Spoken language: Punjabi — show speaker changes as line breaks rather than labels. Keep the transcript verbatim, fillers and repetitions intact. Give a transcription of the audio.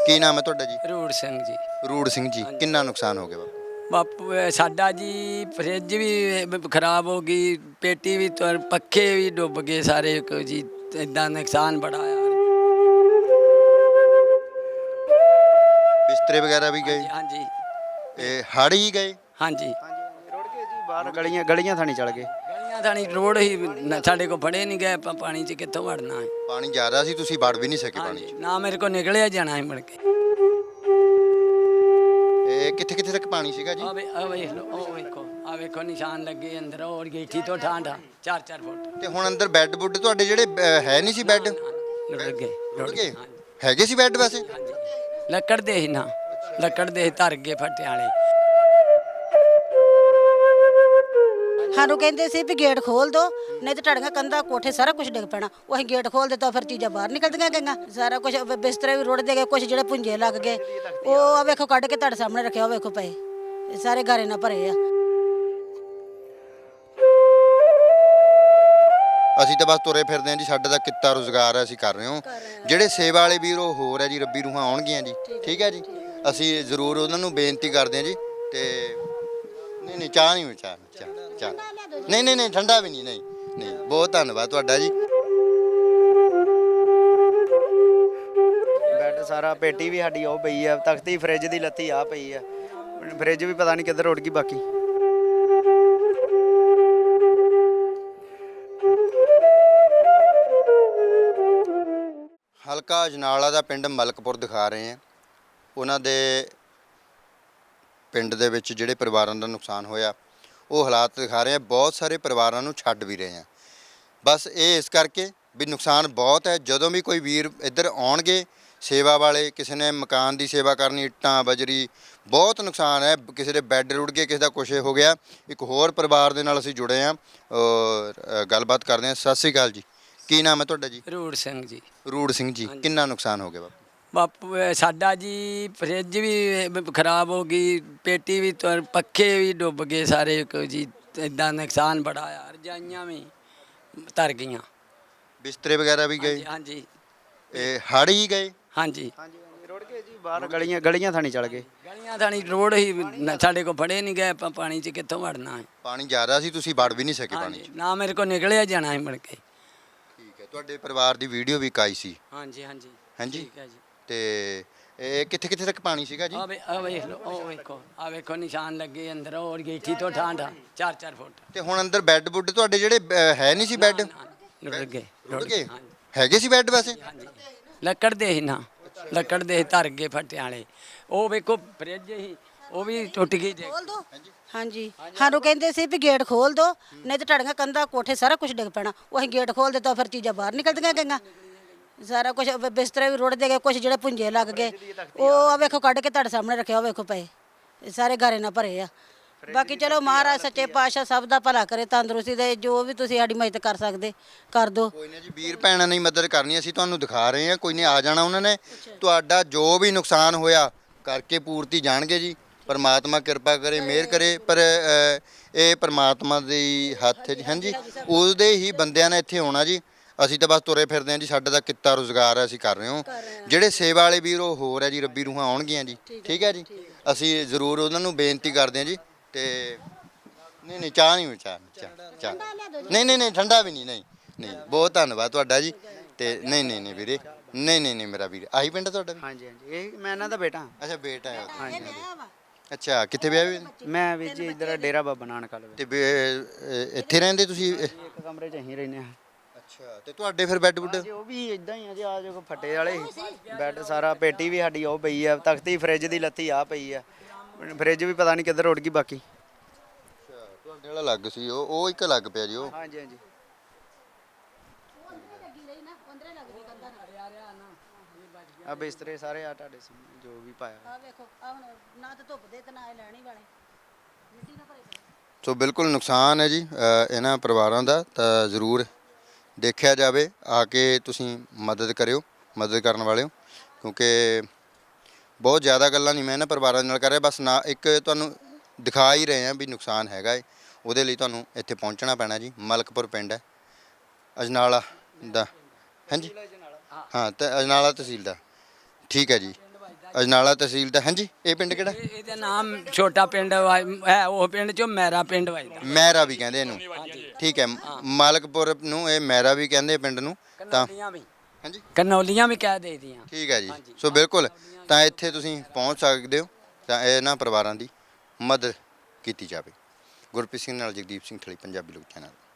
ਕੀ ਨਾਮ ਹੈ ਤੁਹਾਡਾ ਜੀ?
ਰੂੜ ਸਿੰਘ ਜੀ।
ਰੂੜ ਸਿੰਘ ਜੀ, ਕਿੰਨਾ ਨੁਕਸਾਨ ਹੋ ਗਿਆ ਬਾਪੂ?
ਬਾਪੂ ਇਹ ਸਾਡਾ ਜੀ ਫਰਿੱਜ ਵੀ ਬ- ਖਰਾਬ ਹੋ ਗਈ, ਪੇਟੀ ਵੀ ਤੁਰ ਪੱਖੇ ਵੀ ਡੁੱਬ ਗਏ ਸਾਰੇ ਕੁ ਜੀ। ਇਦਾਂ ਨੁਕਸਾਨ ਬੜਾ ਆ।
ਬਿਸਤਰੇ ਵਗੈਰਾ ਵੀ ਗਏ?
ਹਾਂਜੀ
ਇਹ ਹੜ੍ਹ ਹੀ ਗਏ?
ਹਾਂਜੀ
ਹਾਂਜੀ ਰੁੜ ਗਏ ਜੀ, ਬਾਹਰ ਗਲੀਆਂ ਗਲੀਆਂ ਥਾਣੀ ਚਲ ਗਏ।
ਗਲੀਆਂ ਥਾਣੀ ਰੋਡ ਹੀ ਨ- ਸਾਡੇ ਕੋਲ ਫੜੇ ਨਹੀਂ ਗਏ। ਆਪਾਂ ਪਾਣੀ 'ਚ ਕਿੱਥੋਂ ਵੜਨਾ ਹੈ?
ਪਾਣੀ ਜ਼ਿਆਦਾ ਸੀ, ਤੁਸੀਂ ਵੜ ਵੀ ਨਹੀਂ ਸਕੇ ਪਾਣੀ 'ਚ?
ਹਾਂਜੀ, ਨਾ ਮੇਰੇ ਕੋਲ ਨਿਕਲਿਆ ਜਾਣਾ ਹੈ ਮੁੜ ਕੇ।
ਇਹ ਕਿੱਥੇ ਕਿੱਥੇ ਤੱਕ ਪਾਣੀ ਸੀਗਾ ਜੀ?
ਆ ਵੇ ਆ ਵੇਖ ਲਓ, ਉਹ ਵੇਖੋ, ਆ ਵੇਖੋ ਨਿਸ਼ਾਨ ਲੱਗੇ ਅੰਦਰ। ਉਹ ਗੇਠੀ ਤੋਂ ਠਾਂਠਾ ਚਾਰ ਚਾਰ ਫੁੱਟ
ਤੇ ਹੁਣ ਅੰਦਰ ਬੈੱਡ ਬੁੱਡ ਤੁਹਾਡੇ ਜਿਹੜੇ ਅਹ, ਹੈ ਨਹੀਂ ਸੀ ਬੈੱਡ?
ਰੁੜ ਗਏ
ਰੁੜ ਗਏ?
ਹਾਂਜੀ।
ਹੈਗੇ ਸੀ ਬੈੱਡ ਵੈਸੇ?
ਹਾਂਜੀ ਲੱਕੜ ਦੇ ਹੀ ਨਾ, ਲੱਕੜ ਦੇ ਧਰ ਗਏ ਫੱਟੇ ਵਾਲੇ।
ਸਾਨੂੰ ਕਹਿੰਦੇ ਸੀ ਵੀ ਗੇਟ ਖੋਲ ਦੋ, ਨਹੀਂ ਤੇ ਤੁਹਾਡੀਆਂ ਕੰਧਾਂ ਕੋਠੇ ਸਾਰਾ ਕੁਝ ਡਿੱਗ ਪੈਣਾ। ਉਹ ਅਸੀਂ ਗੇਟ ਖੋਲ ਦਿੱਤਾ, ਫਿਰ ਚੀਜ਼ਾਂ ਬਾਹਰ ਨਿਕਲਦੀਆਂ ਗਈਆਂ। ਸਾਰਾ ਕੁਝ ਬਿਸਤਰੇ ਵੀ ਰੁੜਦੇ ਗਏ, ਕੁਝ ਜਿਹੜੇ ਪੁੰਜੇ ਲੱਗ ਗਏ। ਉਹ ਆ ਵੇਖੋ ਕੱਢ ਕੇ ਤੁਹਾਡੇ ਸਾਹਮਣੇ ਰੱਖਿਆ, ਉਹ ਵੇਖੋ ਪਏ, ਇਹ ਸਾਰੇ ਗਾਰੇ ਨਾਲ ਭਰੇ ਆ।
ਅਸੀਂ ਤਾਂ ਬਸ ਤੁਰੇ ਫਿਰਦੇ ਹਾਂ ਜੀ, ਸਾਡਾ ਤਾਂ ਕਿੱਤਾ ਰੁਜ਼ਗਾਰ ਹੈ, ਅਸੀਂ ਕਰ ਰਹੇ ਹਾਂ। ਜਿਹੜੇ ਸੇਵਾ ਵਾਲੇ ਵੀਰ ਉਹ ਹੋਰ ਹੈ ਜੀ, ਰੱਬੀ ਰੂਹਾਂ ਆਉਣਗੀਆਂ ਜੀ, ਠੀਕ ਹੈ ਜੀ। ਅਸੀਂ ਜ਼ਰੂਰ ਉਹਨਾਂ ਨੂੰ ਬੇਨਤੀ ਕਰਦੇ ਹਾਂ ਜੀ। ਤੇ ਨਹੀਂ ਨਹੀਂ ਚਾਹ ਨਹੀਂ, ਚਾਹ ਚਾਹ ਚਾਹ ਨਹੀਂ ਨਹੀਂ ਨਹੀਂ ਠੰਡਾ ਵੀ ਨਹੀਂ, ਨਹੀਂ ਨਹੀਂ। ਬਹੁਤ ਧੰਨਵਾਦ ਤੁਹਾਡਾ ਜੀ।
ਬੈੱਡ ਸਾਰਾ, ਪੇਟੀ ਵੀ ਸਾਡੀ ਉਹ ਪਈ ਆ, ਤਖਤੀ ਫਰਿੱਜ ਦੀ ਲੱਤੀ ਆ ਪਈ ਆ। ਫਰਿੱਜ ਵੀ ਪਤਾ ਨਹੀਂ ਕਿੱਧਰ ਉੱਡ ਗਈ ਬਾਕੀ।
ਹਲਕਾ ਅਜਨਾਲਾ ਦਾ ਪਿੰਡ ਮਲਕਪੁਰ ਦਿਖਾ ਰਹੇ ਹਾਂ। ਉਹਨਾਂ ਦੇ ਪਿੰਡ ਦੇ ਵਿੱਚ ਜਿਹੜੇ ਪਰਿਵਾਰਾਂ ਦਾ ਨੁਕਸਾਨ ਹੋਇਆ ਉਹ ਹਾਲਾਤ ਦਿਖਾ ਰਹੇ ਹਾਂ। ਬਹੁਤ ਸਾਰੇ ਪਰਿਵਾਰਾਂ ਨੂੰ ਛੱਡ ਵੀ ਰਹੇ ਹਾਂ। ਬਸ ਇਹ ਇਸ ਕਰਕੇ ਵੀ ਨੁਕਸਾਨ ਬਹੁਤ ਹੈ। ਜਦੋਂ ਵੀ ਕੋਈ ਵੀਰ ਇੱਧਰ ਆਉਣਗੇ ਸੇਵਾ ਵਾਲੇ, ਕਿਸੇ ਨੇ ਮਕਾਨ ਦੀ ਸੇਵਾ ਕਰਨੀ, ਇੱਟਾਂ ਬਜਰੀ, ਬਹੁਤ ਨੁਕਸਾਨ ਹੈ। ਕਿਸੇ ਦੇ ਬੈੱਡ ਰੁੜ ਗਏ, ਕਿਸੇ ਦਾ ਕੁਛ ਹੋ ਗਿਆ। ਇੱਕ ਹੋਰ ਪਰਿਵਾਰ ਦੇ ਨਾਲ ਅਸੀਂ ਜੁੜੇ ਹਾਂ, ਔਰ ਗੱਲਬਾਤ ਕਰਦੇ ਹਾਂ। ਸਤਿ ਸ਼੍ਰੀ ਅਕਾਲ ਜੀ, ਕੀ ਨਾਮ ਹੈ ਤੁਹਾਡਾ ਜੀ?
ਰੂੜ ਸਿੰਘ ਜੀ।
ਰੂੜ ਸਿੰਘ ਜੀ, ਕਿੰਨਾ ਨੁਕਸਾਨ ਹੋ ਗਿਆ ਬਾਪੂ?
ਬਾਪੂ ਇਹ ਸਾਡਾ ਜੀ ਫਰਿੱਜ ਵੀ ਬ- ਖਰਾਬ ਹੋ ਗਈ, ਪੇਟੀ ਵੀ ਤੁਰ ਪੱਖੇ ਵੀ ਡੁੱਬ ਗਏ ਸਾਰੇ ਕੁ ਜੀ। ਇਦਾਂ ਨੁਕਸਾਨ ਬੜਾ ਆ। ਰਜਾਈਆਂ ਵੀ ਤਰ ਗਈਆਂ।
ਬਿਸਤਰੇ ਵਗੈਰਾ ਵੀ ਗਏ?
ਹਾਂਜੀ ਹਾਂਜੀ
ਇਹ ਹੜ੍ਹ ਹੀ ਗਏ?
ਹਾਂਜੀ
ਹਾਂਜੀ ਰੁੜ ਗਏ ਜੀ, ਬਾਹਰ ਗਲੀਆਂ ਗਲੀਆਂ ਥਾਣੀ ਚਲ ਗਏ।
ਗਲੀਆਂ ਥਾਣੀ ਰੋਡ ਹੀ ਨ- ਸਾਡੇ ਕੋਲ ਫੜੇ ਨਹੀਂ ਗਏ। ਆਪਾਂ ਪਾਣੀ 'ਚ ਕਿੱਥੋਂ ਵੜਨਾ ਹੈ?
ਪਾਣੀ ਜ਼ਿਆਦਾ ਸੀ, ਤੁਸੀਂ ਵੜ ਵੀ ਨਹੀਂ ਸਕੇ ਪਾਣੀ 'ਚ?
ਹਾਂਜੀ, ਨਾ ਮੇਰੇ ਕੋਲ ਨਿਕਲਿਆ ਜਾਣਾ ਹੈ ਮੁੜ ਕੇ।
ਠੀਕ ਹੈ। ਤੁਹਾਡੇ ਪਰਿਵਾਰ ਦੀ ਵੀਡੀਓ ਵੀ ਇੱਕ ਆਈ ਸੀ?
ਹਾਂਜੀ ਹਾਂਜੀ
ਹਾਂਜੀ।
ਠੀਕ ਹੈ ਜੀ।
ਤੇ ਇਹ ਕਿੱਥੇ ਕਿੱਥੇ ਤੱਕ ਪਾਣੀ ਸੀਗਾ ਜੀ?
ਆ ਵੇ ਆ ਵੇਖ ਲਓ, ਉਹ ਵੇਖੋ, ਆ ਵੇਖੋ ਨਿਸ਼ਾਨ ਲੱਗੇ ਅੰਦਰ। ਉਹ ਗੇਠੀ ਤੋਂ ਠਾਂਠਾ ਚਾਰ ਚਾਰ ਫੁੱਟ
ਤੇ ਹੁਣ ਅੰਦਰ ਬੈੱਡ ਬੁੱਡ ਤੁਹਾਡੇ ਜਿਹੜੇ ਅਹ, ਹੈ ਨਹੀਂ ਸੀ ਬੈੱਡ?
ਰੁੜ ਗਏ
ਰੁੜ ਗਏ?
ਹਾਂਜੀ
ਹੈਗੇ ਸੀ ਬੈੱਡ ਵੈਸੇ?
ਹਾਂਜੀ ਲੱਕੜ ਦੇ ਹੀ ਨਾ, ਲੱਕੜ ਦੇ ਧਰ ਗਏ ਫੱਟੇ ਵਾਲੇ। ਉਹ ਵੇਖੋ ਫਰਿੱਜ ਹੀ, ਉਹ ਵੀ ਟੁੱਟ ਗਈ ਜੇ।
ਖੋਲ ਦੋ। ਹਾਂਜੀ ਸਾਨੂੰ ਕਹਿੰਦੇ ਸੀ ਵੀ ਗੇਟ ਖੋਲ ਦੋ, ਨਹੀਂ ਤੇ ਤੁਹਾਡੀਆਂ ਕੰਧਾਂ ਕੋਠੇ ਸਾਰਾ ਕੁਝ ਡਿੱਗ ਪੈਣਾ। ਉਹ ਅਸੀਂ ਗੇਟ ਖੋਲ ਦਿੱਤਾ, ਫਿਰ ਚੀਜ਼ਾਂ ਬਾਹਰ ਨਿਕਲਦੀਆਂ ਗਈਆਂ। ਸਾਰਾ ਕੁਝ ਬਿਸਤਰੇ ਵੀ ਰੁੜਦੇ ਗਏ, ਕੁਝ ਜਿਹੜੇ ਪੁੰਜੇ ਲੱਗ ਗਏ। ਉਹ ਆ ਵੇਖੋ ਕੱਢ ਕੇ ਤੁਹਾਡੇ ਸਾਹਮਣੇ ਰੱਖਿਆ, ਉਹ ਵੇਖੋ ਪਏ, ਇਹ ਸਾਰੇ ਗਾਰੇ ਨਾਲ ਭਰੇ ਆ। ਬਾਕੀ ਚਲੋ ਮਹਾਰਾਜ ਸੱਚੇ ਪਾਤਸ਼ਾਹ ਸਭ ਦਾ ਭਲਾ ਕਰੇ, ਤੰਦਰੁਸਤੀ ਦੇ। ਜੋ ਵੀ ਤੁਸੀਂ ਸਾਡੀ ਮਦਦ ਕਰ ਸਕਦੇ ਕਰ ਦਿਓ।
ਕੋਈ ਨਾ ਜੀ, ਵੀਰ ਭੈਣਾਂ ਨੇ ਮਦਦ ਕਰਨੀ, ਅਸੀਂ ਤੁਹਾਨੂੰ ਦਿਖਾ ਰਹੇ ਹਾਂ। ਕੋਈ ਨਹੀਂ, ਆ ਜਾਣਾ ਉਹਨਾਂ ਨੇ। ਤੁਹਾਡਾ ਜੋ ਵੀ ਨੁਕਸਾਨ ਹੋਇਆ ਕਰਕੇ ਪੂਰਤੀ ਜਾਣਗੇ ਜੀ। ਪਰਮਾਤਮਾ ਕਿਰਪਾ ਕਰੇ, ਮਿਹਰ ਕਰੇ। ਪਰ ਅ, ਇਹ ਪਰਮਾਤਮਾ ਦੀ ਹੱਥ ਹੈ ਜੀ। ਹਾਂਜੀ, ਉਹਦੇ ਹੀ ਬੰਦਿਆਂ ਨੇ ਇੱਥੇ ਆਉਣਾ ਜੀ। ਅਸੀਂ ਤਾਂ ਬਸ ਤੁਰੇ ਫਿਰਦੇ ਹਾਂ ਜੀ, ਸਾਡਾ ਤਾਂ ਕਿੱਤਾ ਰੁਜ਼ਗਾਰ ਹੈ, ਅਸੀਂ ਕਰ ਰਹੇ ਹਾਂ। ਜਿਹੜੇ ਸੇਵਾ ਵਾਲੇ ਵੀਰ ਉਹ ਹੋਰ ਹੈ ਜੀ, ਰੱਬੀ ਰੂਹਾਂ ਆਉਣਗੀਆਂ ਜੀ, ਠੀਕ ਹੈ ਜੀ। ਅਸੀਂ ਜ਼ਰੂਰ ਉਹਨਾਂ ਨੂੰ ਬੇਨਤੀ ਕਰਦੇ ਹਾਂ ਜੀ। ਤੇ ਨਹੀਂ ਨਹੀਂ ਚਾਹ ਨਹੀਂ, ਚਾਹ ਚਾਹ ਚਾਹ ਨਹੀਂ ਨਹੀਂ ਨਹੀਂ ਠੰਡਾ ਵੀ ਨਹੀਂ, ਨਹੀਂ ਨਹੀਂ। ਬਹੁਤ ਧੰਨਵਾਦ ਤੁਹਾਡਾ ਜੀ। ਤੇ ਨਹੀਂ ਨਹੀਂ ਨਹੀਂ ਵੀਰੇ, ਨਹੀਂ ਨਹੀਂ ਨਹੀਂ ਮੇਰਾ ਵੀਰ। ਆਹੀ ਪਿੰਡ ਤੁਹਾਡਾ ਵੀ?
ਹਾਂਜੀ ਹਾਂਜੀ ਇਹ ਮੈਂ ਇਹਨਾਂ ਦਾ ਬੇਟਾ।
ਅੱਛਾ, ਬੇਟਾ ਹੈ।
ਹਾਂਜੀ
ਅੱਛਾ, ਕਿੱਥੇ ਵਿਆਹ ਹੋਏ?
ਮੈਂ ਵੀ ਜੀ ਇੱਧਰ ਡੇਰਾ ਬਾਬਾ ਨਾਨਕ ਵਾਲੇ
ਤੇ ਬੇ- ਅ, ਇੱਥੇ ਰਹਿੰਦੇ ਤੁਸੀਂ?
ਇੱਕ ਕਮਰੇ 'ਚ ਅਸੀਂ ਰਹਿੰਦੇ ਹਾਂ।
ਅੱਛਾ, ਤੇ ਤੁਹਾਡੇ ਫਿਰ ਬੈੱਡ ਬੁੱਡ?
ਜੀ ਉਹ ਵੀ ਇਦਾਂ ਹੀ ਆ ਜੀ, ਆ ਜੋ ਫੱਟੇ ਵਾਲੇ ਬੈੱਡ ਸਾਰਾ, ਪੇਟੀ ਵੀ ਸਾਡੀ ਉਹ ਪਈ ਆ, ਤਖਤੀ ਫਰਿੱਜ ਦੀ ਲੱਤੀ ਆ ਪਈ ਆ। ਫਰਿੱਜ ਵੀ ਪਤਾ ਨਹੀਂ ਕਿੱਧਰ ਉੱਡ ਗਈ ਬਾਕੀ।
ਅੱਛਾ, ਤੁਹਾਡੇ ਵਾਲਾ ਲੱਗ ਸੀ, ਉਹ ਉਹ ਇੱਕ ਲੱਗ ਪਿਆ ਜੀ। ਉਹ
ਹਾਂਜੀ ਹਾਂਜੀ ਆ ਬਿਸਤਰੇ ਸਾਰੇ ਆ ਤੁਹਾਡੇ ਸਾਹਮਣੇ ਜੋ ਵੀ ਪਾਇਆ।
ਆ ਵੇਖੋ, ਆ ਹੁਣ ਨਾ ਤਾਂ ਧੁੱਪ ਦੇ ਤੇ ਨਾ ਇਹ ਲੈਣੀ ਵਾਲੇ ਮਿੱਟੀ ਨਾਲ ਭਰੇ ਪਏ।
ਸੋ ਬਿਲਕੁਲ ਨੁਕਸਾਨ ਹੈ ਜੀ ਅ, ਇਹਨਾਂ ਪਰਿਵਾਰਾਂ ਦਾ। ਤਾਂ ਜ਼ਰੂਰ ਦੇਖਿਆ ਜਾਵੇ, ਆ ਕੇ ਤੁਸੀਂ ਮਦਦ ਕਰਿਓ, ਮਦਦ ਕਰਨ ਵਾਲਿਓ। ਕਿਉਂਕਿ ਬਹੁਤ ਜ਼ਿਆਦਾ ਗੱਲਾਂ ਨਹੀਂ ਮੈਂ ਇਹਨਾਂ ਪਰਿਵਾਰਾਂ ਦੇ ਨਾਲ ਕਰ ਰਿਹਾ। ਬਸ ਨਾ ਇੱਕ ਤੁਹਾਨੂੰ ਦਿਖਾ ਹੀ ਰਹੇ ਹਾਂ ਵੀ ਨੁਕਸਾਨ ਹੈਗਾ ਏ। ਉਹਦੇ ਲਈ ਤੁਹਾਨੂੰ ਇੱਥੇ ਪਹੁੰਚਣਾ ਪੈਣਾ ਜੀ। ਮਲਕਪੁਰ ਪਿੰਡ ਹੈ ਅਜਨਾਲਾ ਦਾ। ਹਾਂਜੀ ਹਾਂ, ਤੇ ਅਜਨਾਲਾ ਤਹਿਸੀਲ ਦਾ। ਠੀਕ ਹੈ ਜੀ। ਅਜਨਾਲਾ ਤਹਿਸੀਲ ਦਾ। ਹਾਂਜੀ, ਇਹ ਪਿੰਡ ਕਿਹੜਾ?
ਇਹ- ਇਹਦਾ ਨਾਮ ਛੋਟਾ ਪਿੰਡ ਵਾ- ਹੈ, ਉਹ ਪਿੰਡ ਚੋਂ ਮੇਰਾ ਪਿੰਡ ਵਜਦਾ।
ਮਹਿਰਾ ਵੀ ਕਹਿੰਦੇ ਇਹਨੂੰ, ਠੀਕ ਹੈ। ਮਾਲਕਪੁਰ ਨੂੰ ਇਹ ਮਹਿਰਾ ਵੀ ਕਹਿੰਦੇ ਆ ਪਿੰਡ ਨੂੰ, ਤਾਂ
ਕਨੌਲੀਆਂ ਵੀ
ਹਾਂਜੀ
ਕਨੌਲੀਆਂ ਵੀ ਕਹਿ ਦੇਦੀਆਂ।
ਠੀਕ ਹੈ ਜੀ। ਸੋ ਬਿਲਕੁਲ, ਤਾਂ ਇੱਥੇ ਤੁਸੀਂ ਪਹੁੰਚ ਸਕਦੇ ਹੋ, ਤਾਂ ਇਹਨਾਂ ਪਰਿਵਾਰਾਂ ਦੀ ਮਦਦ ਕੀਤੀ ਜਾਵੇ। ਗੁਰਪ੍ਰੀਤ ਸਿੰਘ ਨਾਲ ਜਗਦੀਪ ਸਿੰਘ ਥਲੀ, ਪੰਜਾਬੀ ਲੋਕ ਚੈਨਲ।